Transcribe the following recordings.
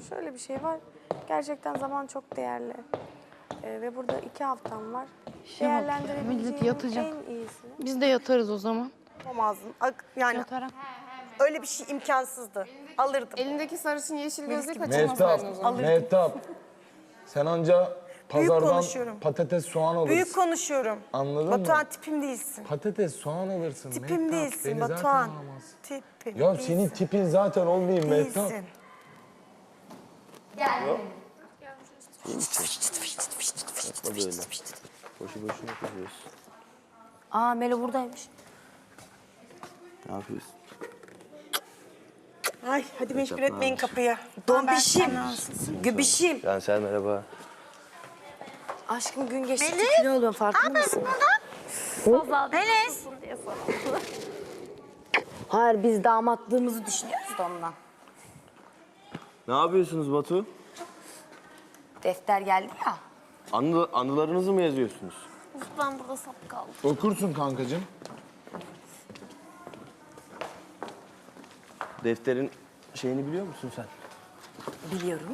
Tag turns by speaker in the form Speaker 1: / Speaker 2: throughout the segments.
Speaker 1: şöyle bir şey var. Gerçekten zaman çok değerli. Ve burada 2 haftam var.
Speaker 2: Millet
Speaker 1: Değerlendirebileceğim
Speaker 2: yatacak.
Speaker 1: en iyisini.
Speaker 2: Biz de yatarız o zaman.
Speaker 3: Yapamazdın. Yani
Speaker 2: Yatarak.
Speaker 3: öyle bir şey imkansızdı. Alırdım.
Speaker 4: Elindeki sarışın yeşil gözlüğü
Speaker 5: Mehtap,
Speaker 4: kaçırmasaydın o zaman.
Speaker 5: Mehtap. Sen anca pazardan
Speaker 3: konuşuyorum.
Speaker 5: patates, soğan alırsın.
Speaker 3: Büyük konuşuyorum.
Speaker 5: Anladın mı?
Speaker 3: Batuhan tipim değilsin.
Speaker 5: Patates, soğan alırsın.
Speaker 3: Tipim
Speaker 5: Mehtap.
Speaker 3: değilsin
Speaker 5: Beni zaten
Speaker 3: Batuhan.
Speaker 5: alamazsın.
Speaker 3: Tipim
Speaker 5: Ya
Speaker 3: değilsin.
Speaker 5: senin tipin zaten olmayayım Mehtap.
Speaker 3: Değilsin.
Speaker 6: Yapma böyle. Boşu boşuna kızıyorsun.
Speaker 7: Aa Melo buradaymış.
Speaker 6: Ne yapıyorsun?
Speaker 3: Ay hadi meşgul etmeyin kapıyı.
Speaker 7: Dombişim. Göbişim.
Speaker 6: Cansel merhaba.
Speaker 7: Aşkım gün geçti kilo oluyorum farkında mısın?
Speaker 1: Melis.
Speaker 7: Hayır biz damatlığımızı düşünüyoruz da ondan.
Speaker 6: Ne yapıyorsunuz Batu?
Speaker 7: Defter geldi ya.
Speaker 6: Anılarınızı mı yazıyorsunuz?
Speaker 1: Ben burada sap kaldım.
Speaker 5: Okursun kankacığım.
Speaker 6: Defterin şeyini biliyor musun sen?
Speaker 7: Biliyorum.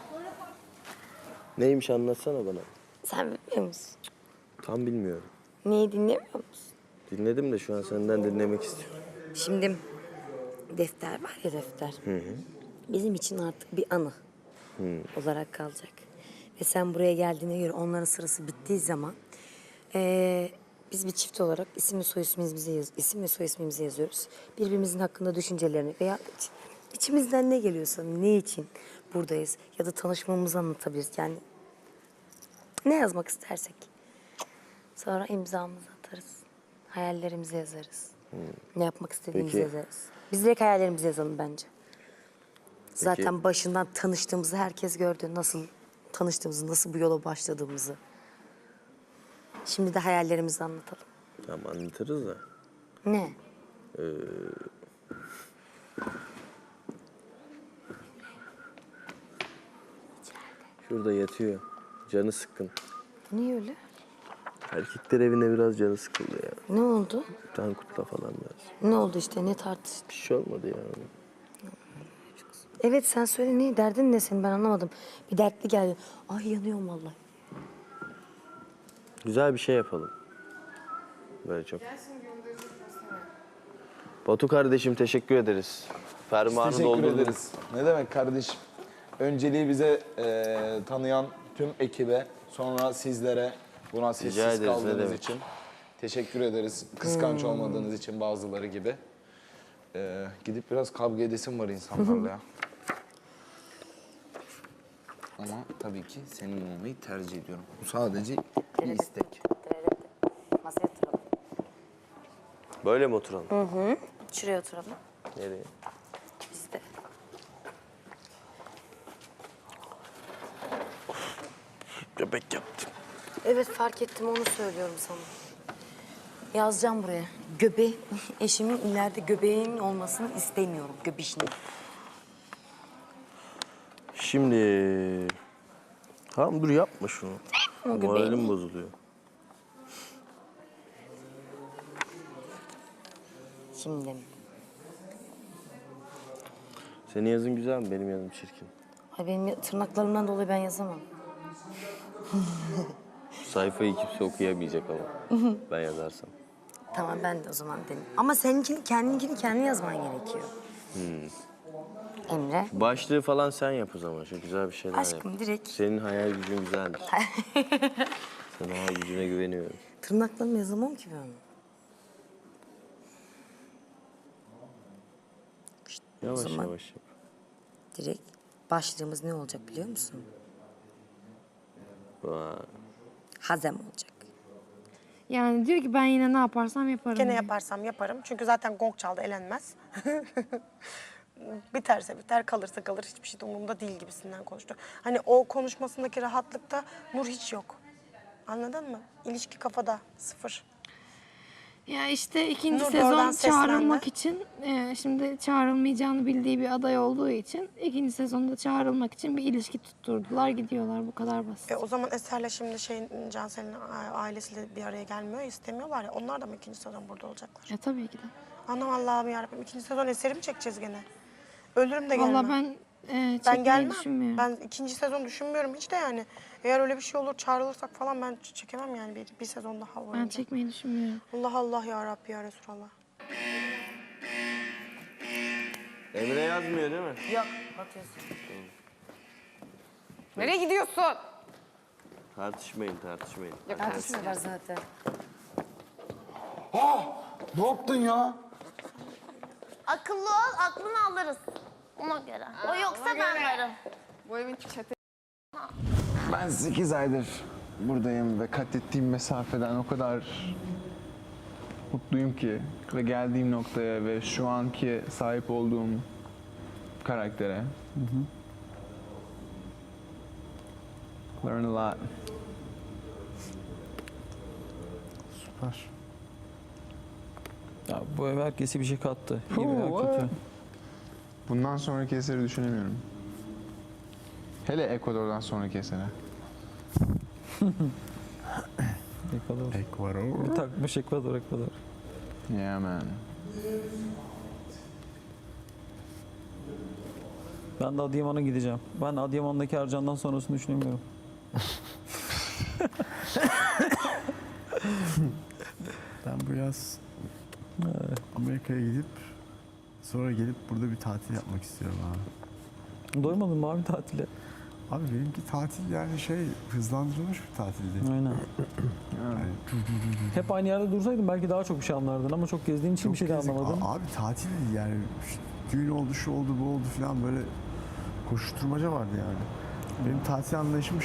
Speaker 6: Neymiş anlatsana bana.
Speaker 7: Sen bilmiyor musun?
Speaker 6: Tam bilmiyorum.
Speaker 7: Neyi dinlemiyor musun?
Speaker 6: Dinledim de şu an senden dinlemek istiyorum.
Speaker 7: Şimdi defter var ya defter. Bizim için artık bir anı olarak kalacak. Ve sen buraya geldiğine göre onların sırası bittiği zaman biz bir çift olarak isim ve soy ismimizi yazıyoruz. Birbirimizin hakkında düşüncelerini veya içimizden ne geliyorsa, ne için buradayız ya da tanışmamızı anlatabiliriz. Yani ne yazmak istersek. Sonra imzamızı atarız. Hayallerimizi yazarız. Ne yapmak istediğimizi
Speaker 6: Peki.
Speaker 7: yazarız. Biz direkt hayallerimizi yazalım bence. Zaten başından tanıştığımızı herkes gördü. Nasıl tanıştığımızı, nasıl bu yola başladığımızı. Şimdi de hayallerimizi anlatalım.
Speaker 6: Tamam anlatırız da.
Speaker 7: Ne?
Speaker 6: Şurada yatıyor. Canı sıkkın.
Speaker 7: Niye öyle?
Speaker 6: Erkekler evine biraz canı sıkıldı ya.
Speaker 7: Ne oldu?
Speaker 6: Tankut'la falan biraz.
Speaker 7: Ne oldu işte? Ne tartıştın?
Speaker 6: Bir şey olmadı ya.
Speaker 7: Evet sen söyle ne? Derdin ne senin? Ben anlamadım. Bir dertli geldi. Ay yanıyorum vallahi.
Speaker 6: Güzel bir şey yapalım. Böyle çok. Batu kardeşim teşekkür ederiz. Fermuarı
Speaker 5: Teşekkür
Speaker 6: doldurdun.
Speaker 5: ederiz. Ne demek kardeşim? Önceliği bize tanıyan tüm ekibe, sonra sizlere buna
Speaker 6: Rica
Speaker 5: sessiz
Speaker 6: ederiz, ne
Speaker 5: kaldığınız
Speaker 6: demek.
Speaker 5: için teşekkür ederiz. Kıskanç olmadığınız için bazıları gibi. Gidip biraz kavga edesim var insanlarla ya. Ama tabii ki senin olmayı tercih ediyorum. Bu sadece bir istek.
Speaker 7: Masaya oturalım.
Speaker 6: Böyle mi oturalım?
Speaker 7: Şuraya oturalım.
Speaker 6: Nereye?
Speaker 7: Biz de.
Speaker 6: Göbek yaptım.
Speaker 7: Evet fark ettim onu söylüyorum sana. Yazacağım buraya. Eşimin ileride göbeğinin olmasını istemiyorum. Göbişini.
Speaker 6: Şimdi... Tamam dur yapma şunu. Moralim bozuluyor.
Speaker 7: Şimdi.
Speaker 6: Senin yazın güzel mi? Benim yazım çirkin.
Speaker 7: Ay benim tırnaklarımdan dolayı ben yazamam.
Speaker 6: Şu sayfayı kimse okuyamayacak ama. Ben yazarsam.
Speaker 7: Tamam ben de o zaman deneyim. Ama seninkini kendin yazman gerekiyor. Emre.
Speaker 6: Başlığı falan sen yap o zaman. Şu güzel bir şeyler yap.
Speaker 7: Aşkım direkt
Speaker 6: Senin hayal gücün güzeldir. Senin hayal gücüne güveniyorum.
Speaker 7: tırnaklarımı yazamam ki ben.
Speaker 6: Yavaş
Speaker 7: zaman-
Speaker 6: yavaş yap.
Speaker 7: Direkt başlığımız ne olacak biliyor musun?
Speaker 6: Vay.
Speaker 7: Hazem olacak.
Speaker 2: Yani diyor ki ben yine ne yaparsam yaparım.
Speaker 3: Gene
Speaker 2: diyor.
Speaker 3: yaparsam yaparım. Çünkü zaten gong çaldı elenmez. Biterse biter, kalırsa kalır. Hiçbir şey de umurumda değil gibisinden konuştu. Hani o konuşmasındaki rahatlıkta Nur hiç yok. Anladın mı? İlişki kafada, sıfır.
Speaker 2: Ya işte ikinci
Speaker 3: Nur da oradan
Speaker 2: sezon çağrılmak
Speaker 3: seslendi.
Speaker 2: için şimdi çağrılmayacağını bildiği bir aday olduğu için ikinci sezonda çağrılmak için bir ilişki tutturdular gidiyorlar bu kadar basit.
Speaker 3: O zaman Eser'le şimdi Cansel'in ailesiyle bir araya gelmiyor, istemiyorlar ya. Onlar da mı ikinci sezon burada olacaklar?
Speaker 2: Tabii ki de.
Speaker 3: Anam Allah'ım yarabbim, ikinci sezon Eser'i mi çekeceğiz gene? Ölürüm de gelmem.
Speaker 2: Vallahi ben
Speaker 3: Ben
Speaker 2: çekmeyi
Speaker 3: gelmem.
Speaker 2: düşünmüyorum.
Speaker 3: Ben ikinci sezon düşünmüyorum hiç de yani. Eğer öyle bir şey olur çağrılırsak falan ben çekemem yani bir sezon daha
Speaker 2: Ben
Speaker 3: boyunca.
Speaker 2: çekmeyi düşünmüyorum.
Speaker 3: Allah Allah ya Rabbi ya Resulallah.
Speaker 6: Emre yazmıyor değil mi?
Speaker 7: Yok, bakıyorsun.
Speaker 4: Nereye gidiyorsun?
Speaker 6: Tartışmayın.
Speaker 7: Tartışmıyorlar zaten.
Speaker 5: Ne yaptın ya?
Speaker 8: Akıllı ol, aklını alırız. Ona göre. O yoksa ben varım.
Speaker 4: Bu evin çete...
Speaker 9: Ben 8 aydır buradayım ve kat ettiğim mesafeden o kadar mutluyum ki ve geldiğim noktaya ve şu anki sahip olduğum karaktere. Learn a lot.
Speaker 10: Süper. Ya bu ev herkese bir şey kattı. İyi veya kötü.
Speaker 9: Bundan sonraki eseri düşünemiyorum. Hele Ekvador'dan sonraki eseri.
Speaker 10: Ekvador. Bir takmış Ekvador.
Speaker 9: Yeah man.
Speaker 10: Ben de Adıyaman'a gideceğim. Ben Adıyaman'daki Ercan'dan sonrasını düşünemiyorum.
Speaker 11: Ben bu yaz Amerika'ya gidip sonra gelip burada bir tatil yapmak istiyorum abi.
Speaker 10: Doymadın mı abi tatile?
Speaker 11: Abi benimki tatil yani hızlandırılmış bir tatildi.
Speaker 10: Aynen.
Speaker 11: Yani
Speaker 10: Hep aynı yerde dursaydın belki daha çok bir şey anlardın ama çok gezdiğin için bir şey de
Speaker 11: gezdik.
Speaker 10: anlamadın.
Speaker 11: Abi tatil değil yani düğün oldu şu oldu bu oldu falan böyle koşuşturmaca vardı yani. Benim tatil anlayışım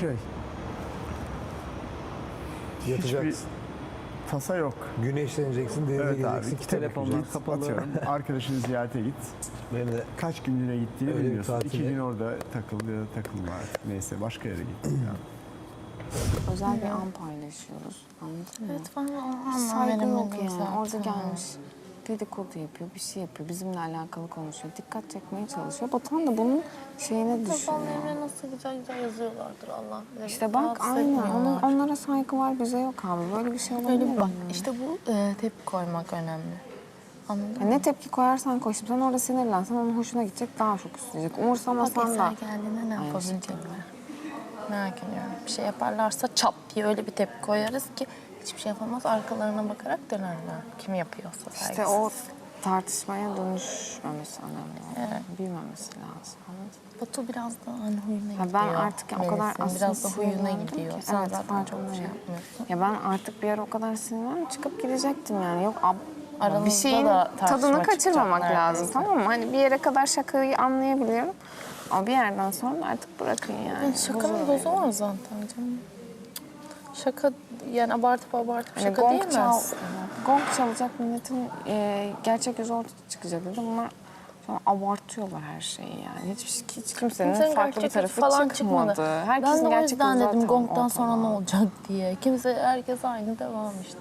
Speaker 11: hiçbir tasa yok.
Speaker 12: Güneşleneceksin, denize
Speaker 11: Evet
Speaker 12: gideceksin,
Speaker 11: abi.
Speaker 12: kitap
Speaker 10: Telefonlar
Speaker 12: okuyacaksın.
Speaker 10: kapalı.
Speaker 11: Atıyorum. Arkadaşını ziyarete git.
Speaker 12: Benim de
Speaker 11: Kaç günlüğüne gittiğini
Speaker 12: Öyle bir
Speaker 11: bilmiyorsun.
Speaker 12: tatile-
Speaker 11: 2 gün orada takıl ya da takılma artık. Neyse başka yere git. Yani.
Speaker 4: Özel bir an paylaşıyoruz. Anladın mı?
Speaker 8: Evet, ben o
Speaker 4: Saygı yok
Speaker 8: veremedim
Speaker 4: yani.
Speaker 8: zaten.
Speaker 4: Orada gelmiş. Dedikodu yapıyor, bir şey yapıyor. Bizimle alakalı konuşuyor. Dikkat çekmeye çalışıyor. Batuhan da bunun şeyine düşüyor.
Speaker 8: Babalarına nasıl güzel güzel yazıyorlardır Allah bilir.
Speaker 4: İşte bak
Speaker 8: Rahatsız
Speaker 4: aynen.
Speaker 8: etmiyorlar.
Speaker 4: Onlara saygı var, bize yok abi. Böyle bir şey olabilir
Speaker 8: Öyle
Speaker 4: mi?
Speaker 8: bak işte bu tepki koymak önemli. Anladın
Speaker 4: Ya
Speaker 8: mı?
Speaker 4: ne tepki koyarsan koy. Şimdi sen orada sinirlensen onun hoşuna gidecek, daha çok isteyecek.
Speaker 8: Bak
Speaker 4: Umursamasan da.
Speaker 8: Eser geldiğinde ne yapabilecekler? Merak ediyorum. Bir şey yaparlarsa çat diye öyle bir tepki koyarız ki hiçbir şey yapamaz. Arkalarına bakarak dönerler. Kim yapıyorsa saygısız.
Speaker 4: İşte o tartışmaya dönüşmemesi önemli.
Speaker 8: Evet.
Speaker 4: Büyümemesi lazım. Anladın mı?
Speaker 8: Batu biraz da hani huyuna
Speaker 4: Ya
Speaker 8: gidiyor.
Speaker 4: ben artık o kadar
Speaker 8: Melis'in
Speaker 4: aslında
Speaker 8: biraz da huyuna
Speaker 4: sinirlendim
Speaker 8: gidiyor.
Speaker 4: ki.
Speaker 8: Sen
Speaker 4: Evet,
Speaker 8: zaten çok
Speaker 4: farkındayım.
Speaker 8: şey yapmıyorsun.
Speaker 4: Ya ben artık bir ara o kadar sinirlendim, çıkıp gidecektim yani. Yok bir
Speaker 8: Aranızda
Speaker 4: şeyin
Speaker 8: da tartışma
Speaker 4: tadını kaçırmamak
Speaker 8: çıkacak
Speaker 4: lazım,
Speaker 8: neredeyse.
Speaker 4: tamam mı? Hani bir yere kadar şakayı anlayabiliyorum. Ama bir yerden sonra artık bırakın yani.
Speaker 8: Yani şakanın dozu var zaten canım. Şaka yani abartıp
Speaker 4: Hani
Speaker 8: şaka diyemez.
Speaker 4: gong çalacak, milletin gerçek yüzü ortaya çıkacak dedi. Bunlar sonra abartıyorlar her şeyi yani. Hiç kimsenin
Speaker 8: Kimsenin
Speaker 4: farklı bir
Speaker 8: gerçek
Speaker 4: tarafı
Speaker 8: falan
Speaker 4: çıkmadı.
Speaker 8: çıkmadı.
Speaker 4: Herkesin
Speaker 8: Ben de o
Speaker 4: gerçek
Speaker 8: yüzden
Speaker 4: yüzü
Speaker 8: dedim
Speaker 4: zaten
Speaker 8: gongdan sonra ne
Speaker 4: ortada.
Speaker 8: olacak diye. Herkes aynı devam işte.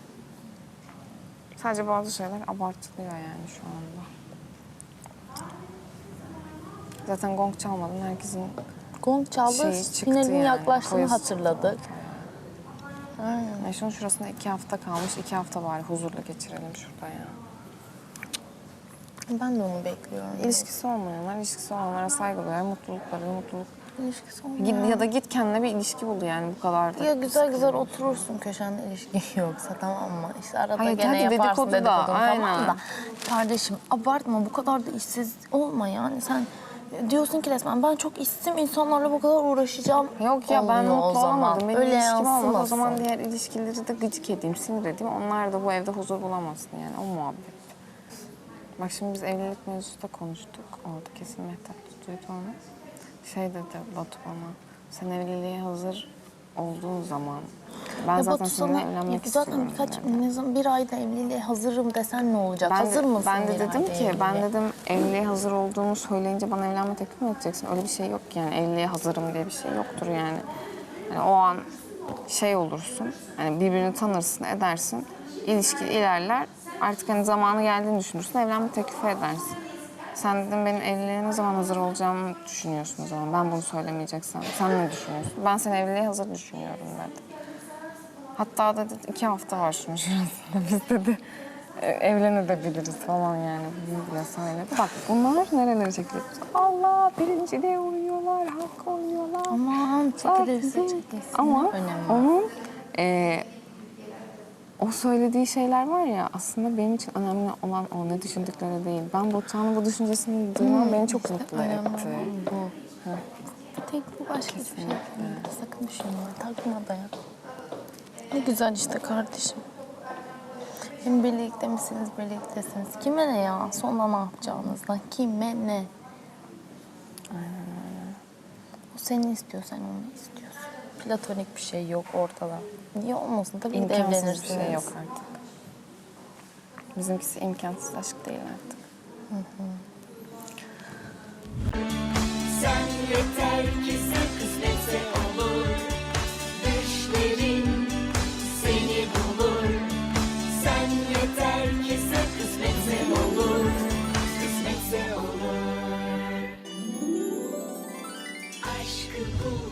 Speaker 4: Sadece bazı şeyler abartılıyor yani şu anda. Zaten gong çalmadan herkesin
Speaker 8: Gong çaldı,
Speaker 4: şeyi çıktı
Speaker 8: finalin
Speaker 4: yani.
Speaker 8: yaklaştığını
Speaker 4: Koyası
Speaker 8: hatırladık.
Speaker 4: Yani şunun şurasında 2 hafta kalmış. 2 hafta bari huzurla geçirelim şurada ya.
Speaker 8: Ben de onu bekliyorum.
Speaker 4: İlişkisi olmayanlar, ilişkisi olanlara saygı duyar. Mutlulukları, mutluluk.
Speaker 8: İlişkisi
Speaker 4: Git,
Speaker 8: olmayan.
Speaker 4: ya da git kendine bir ilişki bul yani bu kadar da.
Speaker 8: Ya güzel güzel oturursun köşende ilişki yoksa tamam mı? İşte arada
Speaker 4: Hayır,
Speaker 8: gene
Speaker 4: hadi
Speaker 8: yaparsın
Speaker 4: dedikodu da,
Speaker 8: dedikodunu tamam
Speaker 4: aynen.
Speaker 8: da. Kardeşim abartma bu kadar da işsiz olma yani sen diyorsun ki resmen ben çok işsizim insanlarla bu kadar uğraşacağım.
Speaker 4: Yok ya ben
Speaker 8: olmuyor o
Speaker 4: mutlu
Speaker 8: zaman.
Speaker 4: olamadım. Benim
Speaker 8: Öyle
Speaker 4: ilişkim olmadı. O
Speaker 8: yansımasın.
Speaker 4: zaman diğer ilişkileri de gıcık edeyim, sinir edeyim. Onlar da bu evde huzur bulamasın yani o muhabbet. Bak şimdi biz evlilik mevzusu da konuştuk. Orada kesin Mehtap duydu onu. Şey dedi Batu bana, sen evliliğe hazır olduğun zaman ben
Speaker 8: Ya
Speaker 4: zaten
Speaker 8: Batu
Speaker 4: seninle
Speaker 8: sana
Speaker 4: evlenmek
Speaker 8: zaten
Speaker 4: istiyorum dedi.
Speaker 8: bir ayda evliliğe hazırım desen ne olacak? Hazır mısın
Speaker 4: Ben de
Speaker 8: bir
Speaker 4: dedim
Speaker 8: ayda
Speaker 4: ki, ben
Speaker 8: evliliğe?
Speaker 4: dedim evliliğe hazır olduğumu söyleyince bana evlenme teklif mi edeceksin? Öyle bir şey yok yani. Evliliğe hazırım diye bir şey yoktur yani. Yani o an şey olursun, hani birbirini tanırsın, edersin, ilişki ilerler. Artık hani zamanı geldiğini düşünürsün, evlenme teklifi edersin. Sen dedim benim evliliğe ne zaman hazır olacağımı düşünüyorsun o zaman. Ben bunu söylemeyeceksem. Sen ne düşünüyorsun? Ben seni evliliğe hazır düşünüyorum dedi. Hatta dedi 2 hafta var şunun şurasında. Biz dedi evlenebiliriz falan yani. Bunu bile söyledi. Bak bunlar nerelere çekilir? Allah birinciliğe uyuyorlar, hakka uyuyorlar.
Speaker 8: Aman çekilirse
Speaker 4: Bak,
Speaker 8: çekilsin.
Speaker 4: ama
Speaker 8: Önemli.
Speaker 4: onun o söylediği şeyler var ya aslında benim için önemli olan o ne düşündükleri değil. Ben Batuhan'ın bu düşüncesini duymam beni çok mutlu
Speaker 8: Önemli
Speaker 4: etti.
Speaker 8: olan bu. Bir tek bu, başka hiçbir şey yok. Sakın düşünme, takma da ya. Ne güzel işte kardeşim. Hem birlikte misiniz, birliktesiniz. Kime ne ya? Sonra ne yapacağınızdan? Kime ne? O seni istiyor, sen onu istiyorsun. Platonik bir şey yok ortada. Niye olmasın? Tabii ki de
Speaker 4: İmkansız
Speaker 8: evlenirsiniz.
Speaker 4: bir şey yok artık. Bizimkisi imkansız aşk değil artık.
Speaker 13: Sen yeter ki sen kısmetse olur. Düşlerin seni bulur. Sen yeter ki sen kısmetse olur. Kısmetse olur. Aşkı bul.